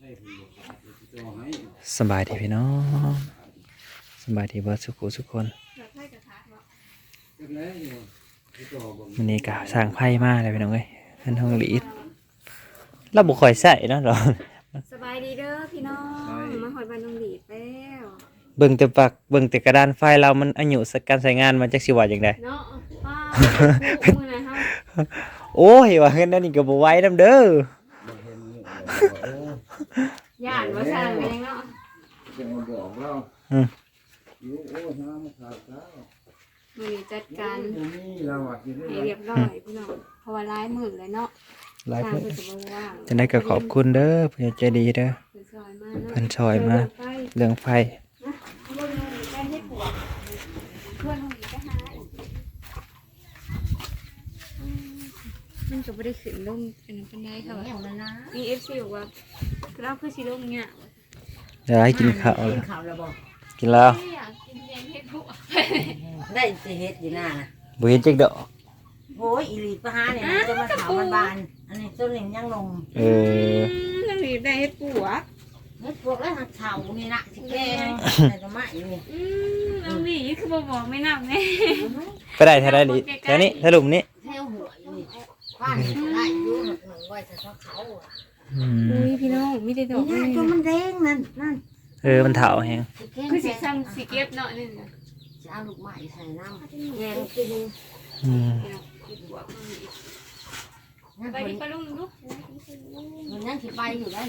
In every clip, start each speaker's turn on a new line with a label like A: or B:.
A: สบายดีพี่น้องสบายดีเบิร์ดสุขุทุกคนวันนี้ก็สร้างไพ่มาเลยพี่น้องเอ้ยเพิ่นห้องลีดเราบุคอยใส่เนาะเรา
B: สบายดีเด้อพี่น้องมาหอยบันดงดีแล้ว
A: เบิ่งแต่ปักเบิ่งแต่กระดานไฟเรามันอายุสักการใช้งานมันจักสิว่าจังได๋
B: เนาะป้ามือนะเฮา
A: โอ้ยว่าเงินนั่นนี่ก็บ่ไหวนำเด้
B: ย่านว่าสร้างแม่งเนาะ
C: จะมาบอกเรา
A: อืม
C: อยู่โอ้น้ำขาดแล้ว
B: มื้อนี้จัดการ
C: นี่เราอ่ะกินได้
B: ให้เรียบร้อยพี่น้องเพราะว่าหลายมื้อเลยเนาะ
A: หลาย
B: สร้าง
A: เพิ่น
B: เพิ่นก็บ่ว่าง
A: จังได๋ก็ขอบคุณเด้อผู้ใหญ่ใจดีเด้อ
B: เพิ่นซอยมาเนาะ
A: เพิ่นช่วยมา
B: ไป
A: เรื่องไฟ
B: นะเอาบ่มีแป้งให้ปวดเพื่อนห้องนี้ก็หาอีกมันก็บ่ได้ขึ้นลงเป็นปานใดค่ะว่ามี FC บอกว่าเราคือสิลงเนี่ย
A: เดี๋ยวให้กินข้าว
D: กินข้าวแล้วบ่
A: กินแล้ว
B: ไม่อยากกินแกงเห็ดบวก
D: ได้สิเฮ็ดอยู่หน้าน่ะ
A: บ่เห็นจักดอก
D: โอ้ยอีหลีปะหาเนี่ยมันจะมาถามมันบานอันนี้ต้นหนึ่งยังลง
A: เออ
B: น้ำหนีได้เห็ดบวก
D: เฮ็ดพวกแล้วหักเฉานี่นะสิแกงแต่ก็ไม่นี่
B: น้ำหนีคือบอกไม่นับไง
A: ไปได้แท้ได้ดิแถวนี้ถลุมนี้
D: แถวหัวนี่บ้านนี่ก็ได้อยู่หนึ่งไว้แต่เขาอ่ะ
A: อืม
B: อุ้ยพี่น้องไม่ได้ดอก
D: นี่จนมันแดงนั่น
A: เออมันเฒ่าแฮง
D: สิแกง
B: คือสีซ้ำสีเก็บเนาะนี่
D: จะเอาลูกไม้ใส่น้ำแกงกิน
A: อืม
B: เห็ดบวก
D: นั่น
B: ไป
D: คน
B: ดิปลาลุงลูก
D: มันยังสิไปอยู่ได้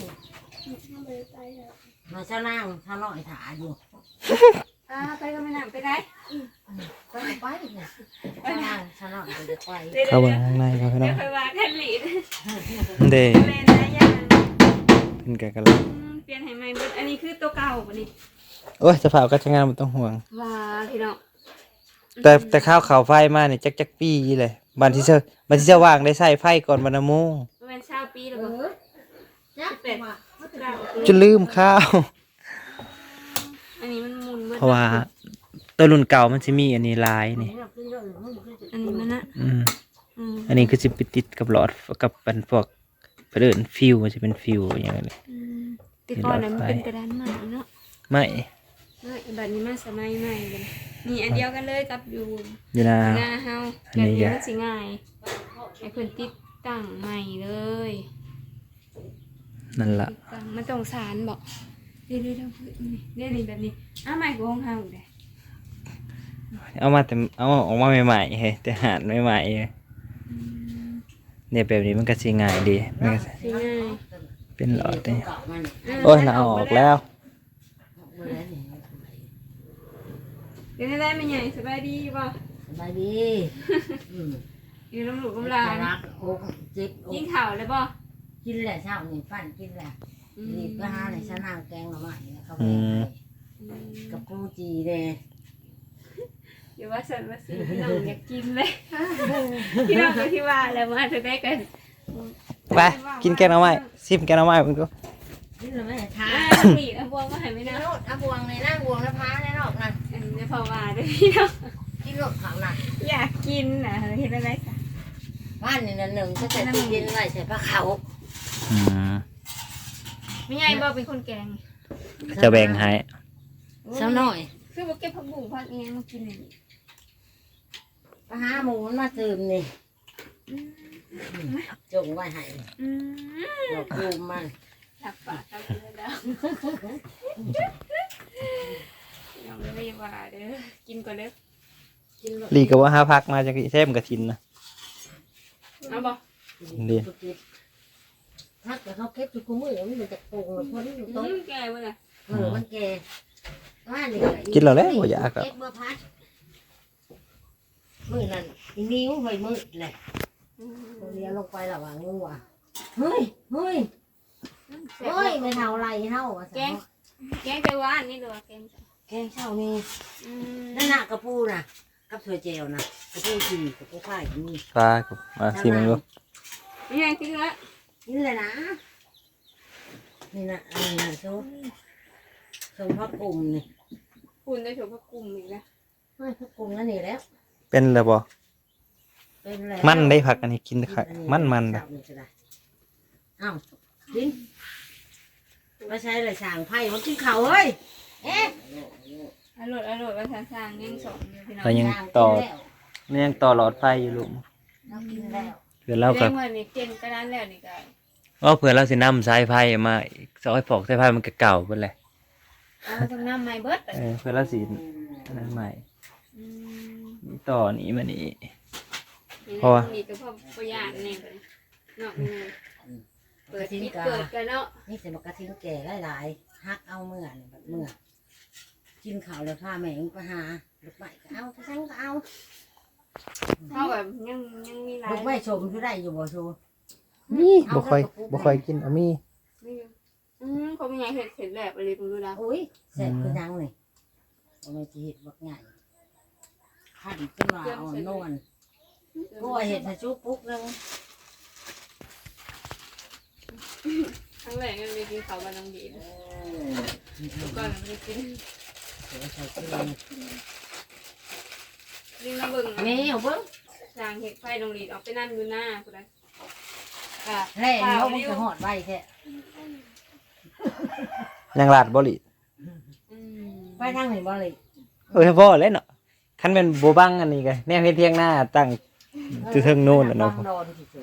D: มาเจ้านางชาวน้อยถาอยู่
B: ไปก็ไม่นับไปได้
D: ก็ไปเนี่ยเจ้านางชาวน้อยจะไป
A: เข้าไปข้างในครับพี่น้
B: เดี๋
A: อย ง
B: วไปวางแค่หลีด
A: เด้
B: เล่นนะย่า
A: ขึ้นกันกันแล้ว
B: เปลี่ยนให้ใหม่เบิดอันนี้คือตัวเก่าป่ะนี่
A: โอ้ยจะเผาก็จะงานมันต้องห่วง
B: ว้าพี่น้อง
A: แต่ข้าวเขาไฟมาเนี่ยจักปีเลยบันที่เชื่อบันที่เชื่อว่างได้ใส่ไฟก่อนบรรณโมง
B: ประมาณ20 ปีแล้ว
D: เอ
B: บ่
D: อจักเป็ด
A: จนลืมข้าว
B: อันนี้มันหมุนเบิด
A: เพราะว่าตัวรุ่นเก่ามันจะมีอันนี้ลายนี่
B: อันนี้มันนะ
A: อืม
B: อืม
A: อันนี้คือจะไปติดกับหลอดกับเป็นพวกเดินฟิวมันจะเป็นฟิวอย่างเงี้ย
B: แต่ก่อนน่ะมันเป็นกระดานใหม่เนาะ
A: ไม่
B: บัดนี้มาสมัยใหม่เลยนี่อันเดียวกันเลยกับอยู่
A: ยีนา
B: หน้าเฮา
A: อั
B: แบ
A: น
B: บ
A: นี้
B: นี้
A: ก็
B: มันสิง่ายให้เพิ่นติดตั้งใหม่เลย
A: นั่นล่ะ
B: ติดตั้งมันต้องสารบอกเรื่อยๆเรื่อยๆแบบนี้ใหม่กว่าของเฮาเด้
A: เอามาแต่เอาออกมาใหม่ๆเฮ้ยแต่หารใหม่ๆเฮ้ยเนี่ยแบบนี้มันก็สิง่ายดีมันก็สิ
B: สิง่าย
A: เป็นหลอดนี่โอ้ยน่าเอาออกแล้ว
B: เดี๋ยวได้มันใหญ่สบายดีบ่
D: สบายดี
B: อยู่น้ำหลูกกำลาน
D: รักอกจิบอ
B: ยิ่ง
D: ก
B: ข่าวเลยบ่
D: กินแหละเช้านี่ปั้นกินแหละนี่ก็หาในชะนางแกงหน่อไม้เขาไปกับกูจีเลย
B: เดี๋ยวว่าสันว่าสิพี่น้องอยากกินเลยพี่น้องก็ที่ว่าแล้วมาจะได้กัน
A: ไปกินแกงหน่อไม้ซิมแกงหน่อไม้มันก็
D: กินหน่อไม้ทา
B: หลีบวงก็หายไม่
D: กิน
B: นะ
D: โลดบวงในนั่งบวงแล้วพาในนอกนั่น
B: เดี๋ยวพอว่าด้วยพี่น้อง
D: กินโลดเขานั่น
B: อยากกินนะเห็นอะไรสัก
D: บ้านนี่นั่นหนึ่งก็จะตู้เย็นไว้ใส่ผ้าขาว
A: อืม
B: ไม่ใหญ่บ่เป็นคนแกง
A: จะแบ่งให้
D: เช้าหน่อย
B: คือบ่เก็บผักบุ้งผักเงี้ยมากินนี่
D: ไปหาหมูมันมาเติมนี่จงไว้ให้ดอกคูมมัน
B: หลับปากหลับเลยแล้วยังไม่ว่าเด้อกินก่อนเด้อ
D: กินโลด
A: ลีก็ว่าหาพักมาจากอีเทมกระทินนะ
B: เอาบ่
D: ถ้าเกิดเขาเก็บทุกมือมันจะโกงคนที่อยู่โต๊ะ
B: แก่บ่ล่ะ
D: มันแก่ว่านี่
A: กินแล้วแล้วบ่อยากอ่ะ
D: เก็บเมื่อพัดมือนั่นอีนิ้วเฮ้ยมือแหละตัวเดียวลงไประหว่างงูอ่ะเฮ้ยไม่เท่าไรเท่าแกง
B: แกงแต่ว่านี่ดูแกง
D: แกงเช่านี่นั่นน่ะกระปูน่ะกับถั่วเจลน่ะกระปูจีกระปูไข่มี
A: ปลากับมาซิมมันดู
B: ไม่ใช่กินละ
D: นี่เลยนะนี่นะอันนี้นะโซ่พักกลุ่มนี่
B: คุณได้ชมผักกุ่มอีกแล้ว
D: ไม่พักกลุ่มนั่นนี่แล้ว
A: เป็นแล้วบ่
D: เป็นแล้ว
A: มันได้ผักอันนี้กินค่ะมันๆนะ
D: อ้าวดิ้นมาใช้เลยสั่งไผ่มากินข้าวเฮ้ยเอ๊ะ
B: อร่อยว่าทางยังสองอยู่พี่น้อง
A: เรายังต่อยังต่อหลอดไฟอยู่ลูก
D: เรากินแล้ว
A: เพื่อเรา
B: เล่
A: กับ
B: นวันนี้เก่งก็ได้แล้วนี่ก็
A: เพื่อเราสินำสายไฟมาสายฟอกสายไฟมันก็เก่าเพิ่นแหละ
B: เอาต้องน้ำไม้เบิด
A: เพื่อเราสิอันนั้นใหม่นี่ต่อนี้มานี่ เพราะว่า
B: มีตัวพ่อประหยัดนี่เนาะเปิดปิดเปิดกันเนาะ
D: นี่จะมากระทิ้งแก่หลายๆฮักเอาเมื่อนี่แบบเมื่อกินข้าวแล้วพาแม่งไปหาลูกไม้ก็เอาไปสั่งก็เอา
B: เท่าแบบยังมีหลาย
D: ลูกไม้ชมอยู่ได้อยู่บ่ชู
A: นี่บ่ค่อยกินเอามี
B: เขาเป็นไงเห็ดแบบอะไรผมดูแล้ว
D: อุ้ยเสร็จคือยังนี่เอามาจีเห็ดบักใหญ่ขันขึ้นมาอ่อนนวลก็เห็ดให้ชุบปุ๊กนึง
B: ครั้งแรกมันมีกินเขาบันน้องดีก่อนมันจะกิน
D: เดี๋ยวใส่กิน
B: ลิงน้ำบึง
D: แม่เอาเบิ้ง
B: จางเห็ดไฟดงดีออกไปนั่นดูหน้าคุณได้
D: แร่นี่เขาจะหอดใบแท้
A: ยังลาดบ่ลิ
D: ไปทางไหนบ่เลย
A: พอแล้วเนาะคันเป็นบ่บังอันนี้ก็แนวเฮ็ดเพียงหน้าตั้งอยู่เทิงโน่นน่ะเนาะ
D: นอนที่สุด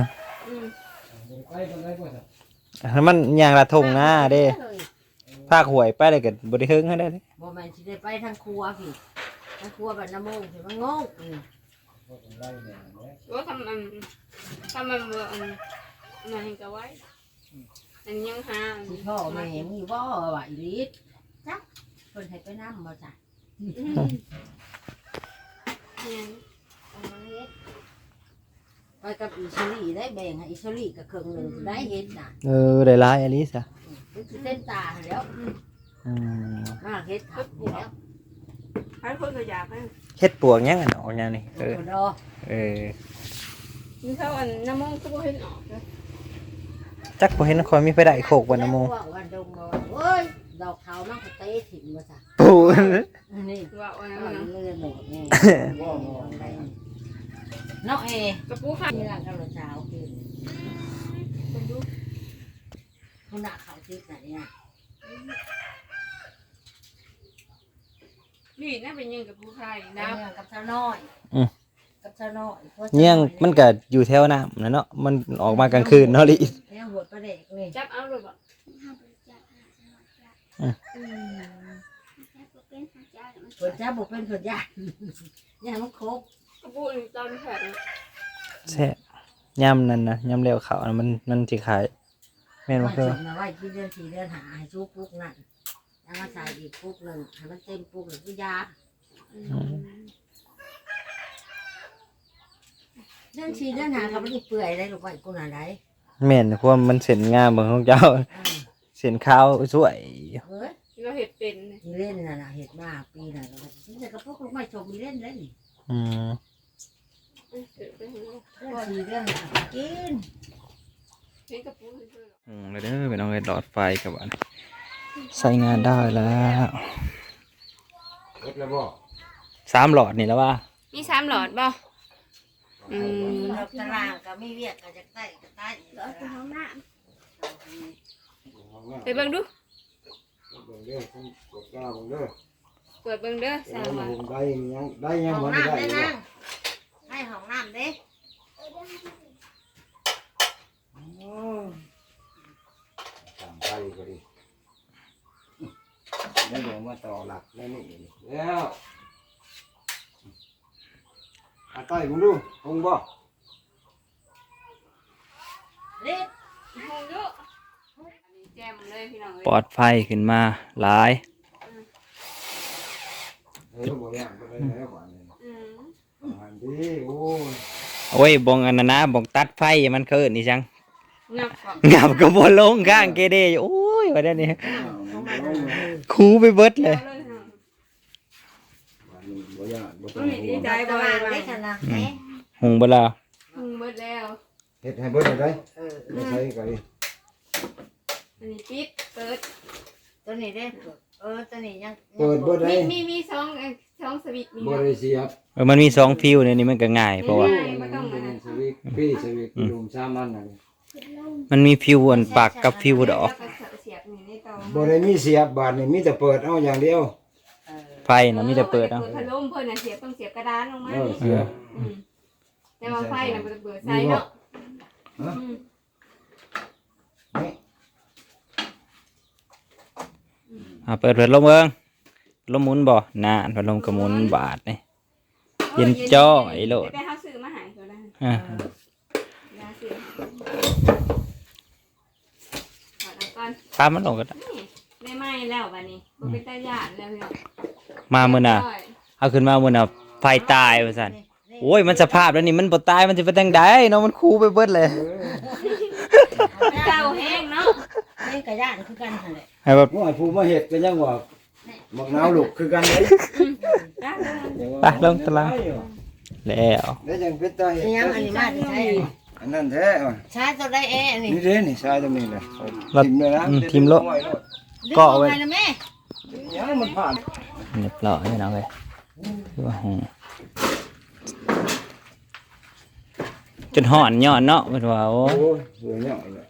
A: ถ้ามันยางละทงหน้าเด้ภาคหวยไปเลยก็บ่ได้เฮิงให้ได้เด้
D: บ่แม่นสิได้ไปทางครัวพี่ทางครัวบ้านน้ำมงสิมันงง
B: ว่าทำมันมาเห็นกับไว้อันยังหา
D: สิพ่อแม่มีบ่ว่าอีลิศจักเพิ่นให้ไปนำบ่จ้ะไปกับอิสรีได้แบ่งให้อิสรีกับเครื่องหนึงได้เฮ็ดน่ะ
A: ได้หลายอลิซะ
D: คือเส้นตาแล้วมาเฮ็ดขับแล้ว
B: ให้คนตัวอยากให้
A: เฮ็ดปวกยังอันออกยังนี่
D: ดอ
B: นี่เขาอันน้ำมันก็บ่เห็นออกเลย
A: จักบ่เห็นคอยมีไปได้โคกวันนโม
D: วันดงบ่เอ้ยดอกเขามันก็เตะถิ่มมาจ้ะ
A: ปู
D: นี่
B: ว่าอันนั้น
D: มัน
B: นะ
D: เลื่อนหมดนี่น้องเอก
B: ระปูค่ะ
D: นี่ร่างกายเช้ากิน
B: คนดู
D: คุณน่ะเขาติดไหนเนี่ย
B: นี่น่าเป็นยังกับปูไข่นะ
D: กับชาวน้อยกับชาวน้อย
A: เนี่ยมันก็อยู่แถวน้ำนะเนาะมันออกมากลางคืนเนาะลิ
D: เนี่ยหัวประเด็กนี่
B: จับเอาเลยบ่
D: ผลจ้าบุกเป็นผลยาย่ามันครบ
B: กระปูนี่ตอนแผล
A: แซ่บย่ำนั่นนะย่ำเร็วเขานะมันสิขายแม่นบ่
D: ว่า
A: คือ
D: จุดนะว่าที่เดือน4เดือนหาให้ชูปุ๊กนั่นแล้วมาใส่อีกปุ๊กหนึ่งให้มันเต็มปุ๊กหรือคือยาเดือน4เดือนหาเขาไม่ได้เปื่อยได้หรอกว่ากูน่ะได้
A: แม่นเพราะว่ามันเส้นงามเบิ่งของเจ้าเส้นขาวสวย
D: เฮ้ย
B: เราเห็ดเป็น
D: มีเล่นน่ะเห็ดมาปีน่ะก็นี่แต่ก็พวกลูกไม่ชมมีเล่นเล่น
A: อืม
B: เกิดไปเห็น
D: เดือน4เดือนหากิน
B: กระปูเลย
A: เลยเด้อไปน้องเอ้ยหลอดไฟกับอันใช้งานได้แล้ว
C: รถแล้วบ่
A: 3หลอดนี่แล้วว่า
B: มี3หลอดบ่
D: ตารางก็ไม่เวียกก็จะใต้ก็ใต้
B: ไปเบิ่งดู
C: เบิ่งเด้อผมกดกล้าเบิ่งเด้อ
B: เปิดเบิ่งเด้อ
C: แล้ว
B: 3หลอด
C: ผมได้ยัง
D: ห้อง
C: บ่ได้
D: น้ำได้
C: ได้
D: นั่งให้ห้องน้ำเด้
C: ตามไปก็ดีแล้วเดี๋ยวมาต่อหลักแล้วนี่แล้วอาใต้ผมดูคงบ่
D: เล็ด
B: ห้องดูอันนี้แจ่มเลยพี่น้องเอ้ย
A: ปลอดไฟขึ้นมาหลาย
C: บ่ย่างบ่ได้แล้วบ่นี่อันดีโอ้ย
A: โอ้ยบงอันนั้นนะบงตัดไฟมันเกินนี่จัง
B: งับก่อน
A: งับก็บ่ลงข้างเกเดอยู่โอ้ยว่าได้นี่คูไปเบิดเลย
C: บ่ย่างบ่ต้
B: มั
C: อน ง
B: มีดีใจ
D: ตา
B: บ่
D: ราง
B: ไป
D: ได้ขนาดไหน
A: หุงเบ่ล่ะ
B: เบิดแล้ว
C: เฮ็ดให้เบิดได้ไม่ใช่ก็ดี
B: อันนี้ปิดเปิด
D: ตัวนี้เด้ตัวนี้ยัง
C: เปิดเบิดได้
B: มีสองสวิตช์มี
C: บ่ได้เสียบ
A: มันมี2ฟิวเนี่ยนี่มันก็ง่ายเพราะว่า
B: ไม่ต้องมา
C: สวิตพี่สวิตลุมชามันน่ะ
A: มันมีฟิวอันปากกับฟิวดอก
B: แล้วก็เสียบนี่ในตอง
C: บ่ได้มีเสียบบาทนี่มีแต่เปิดเอาอย่างเดียว
A: ไฟน่ะมีแต่เปิดเอา
B: พัดลมเพิ่นน่ะเสียบต้องเสียบกระดานลงมา
C: เสียบ
B: แต่ว่าไฟน่ะมันเปิดใส่เนาะ
C: นี่
A: เปิดพัดลมเบิ่งลมหมุนบ่นานพัดลมก็หมุนบาทนี่ เย็นจ้อยโลด
B: แต่เฮาซื้อมาให้ก็ได้
A: อ่า
B: ยาซื้อถอดเอาก่อน
A: ตามมันลงก็ได้
B: ได้ไหม้แล้วบัดนี้บ่เป็นตาหยาดแล้วพี่น้อง
A: มามื้อน่ะเอาขึ้นมามื้อน่ะไฟตายว่าซั่นโอ้ยมันสภาพแล้วนี่มันบ่ตายมันสิไปจังไดเนาะมันคูไปเบิดเลย
B: เจ้าแห้งเนาะ
D: นี่กระย่านคือกันหั่นแหละ
A: ให้แบบ
C: ว่าผู้มาเฮ็ดก็ยังว่าบักนาวลูกคือกันเด้
A: ไปลงตารางแล้ว
C: ได้จังเป็นตาเฮ็ด
D: นี่ยังอันนี้มาที่ใช้
C: อันนั้นแท้
D: ใช้ตัวได้เอะนี่
C: นี่เด้นี่ชายตรงนี้เลย
A: เรา
C: ทิมเลยนะ
A: ทิมโล
D: ก็เอาไว้นะแม่
C: ยังมันผ่าน
A: เรียบร้อยพี่น้องเอ้ยคือว่าจนห่อนย้อนเนาะเพิ่นว่าโอ้
C: โอ้ยสวยเนี่ยเลย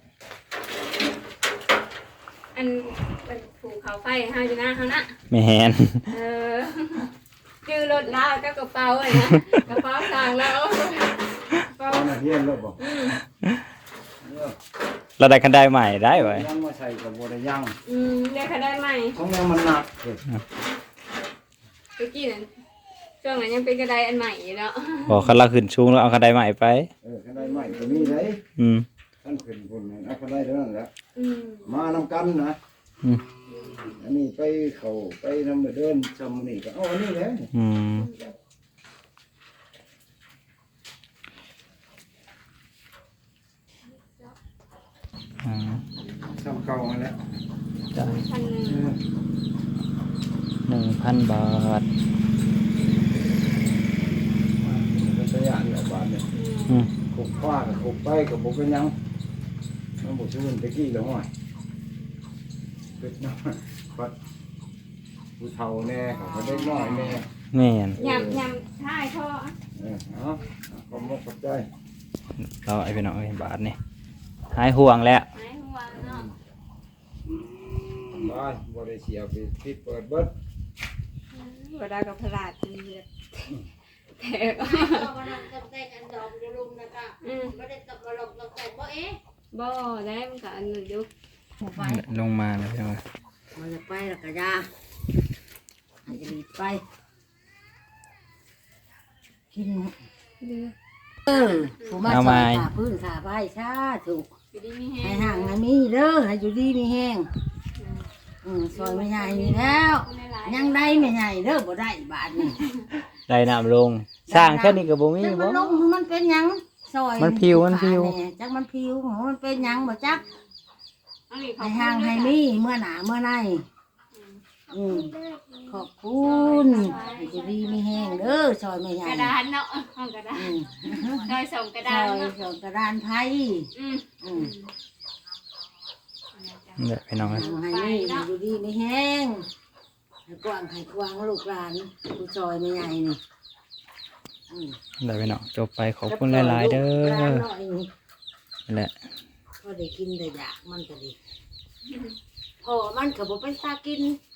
B: อันเป็นผูกเขาไฟให้อยู่นะเขานะ
A: แม่น
B: เออจื้อรถลาวกับกระเป๋าอะนะกระเป๋าต่างแล้วกระเป๋า
C: เอามาเฮียนรถบ่
A: เราได้คันได้ใหม่ได้ไว้
C: ยังมาใส่กับบ่ได้ยัง
B: เรียกเขาได้ไหม
C: ของยังมันหนักเ
B: เมื่อกี้นั่นช่วงนั้นยังเป็นกระไดอันใหม่อยู่เนาะ
A: บอกคันเราขึ้นชูงแล้วเอาคันได้ใหม่ไป
C: คันได้ใหม่ก็มีได้
A: อืม
C: ท่านขึ้นพุ่นเอาคันได้เท่านั้นแหละ
B: อืม
C: มานำกันนะ
A: อืม
C: อันนี้ไปเขาไปนำเดินชมนี่ก็เอาอันนี้แหละ
A: อืมอ่า
C: ชมเก่ามาแล้ว
A: ได้
B: 1,000
A: 1,000 บาท
C: เป็นตัวอย่างเนี่ยบาทเนี่ย
A: อืม
C: ขุกฟ้ากับขุกไปกับบุกเป็นยังน้ำบุชื่นตะกี้แล้วห้อยเป็ดน้ำปัดผู้เฒ่าแน่เขาเด็กน้อยแน่
A: แม่น
B: ยำท้ายท่อ
C: เอาขอบมุกขอบใจ
A: เราไอ้พี่น้องเอ้ยบาทนี่หายห่วงแล้ว
B: ไม้หัวเนาะ
C: บ้านบริเสียไปปิดเปิดเบิด
B: บ่ได้กับพลาดจนเลือดแตก
D: ไม่ได้ตกลงตกแต่บ่เอ๊ะ
B: บ่ได้มันก็อันนั้นอยู่
D: ไป
A: ลงมาแล้วพี่น้อง
D: มันจะไปแล้วก็ยาอาจจะรีบไปกิน
B: เดือ
D: ผู้มาสอนขาพื้นขาใบชาถูก
B: อยู่ดีมีแฮ
D: ให้
B: ง
D: ห่างให้มีเด้อให้อยู่ดีมีแห้งซอยไม่ใหญ่นี่แล้วยังได้ไม่ใหญ่เด้อบ่ได้บาทนี่
A: ได้น้ำลง สร้างแค่นี้ก็บ่มี
D: จักมั
A: บ่
D: นลงมันเป็นหยังซอย
A: มันผิวมันผิว
D: จักมันผิวมันเป็นหยังบ่จัก
B: อันนี้เขา
D: ให้ห่างให้มีเมื่อหนาเมื่อในขอบคุณให้อยู่ดีมีแห้งเด้อซอยไม่ใหญ่
B: กระดานเนาะห้องกระดานโดยส่งกระ
D: ซ
B: ดาน
D: อย
B: เนาะ
D: ส่งกระดานไทย
B: อืม
A: เด้อพี่น้องเอ้ย
D: ให้มีให้อยู่ดีมีแห้งให้กว้างให้กว้างลูกหลานผู้ซอยไม่ใหญ่นี่
A: เด้อพี่น้องจบไปขอบคุณหลายๆเด้อนั่นแหละ
D: ก็ได้กินได้อยากมันก็ดีพอมันก็บ่เป็นตากิน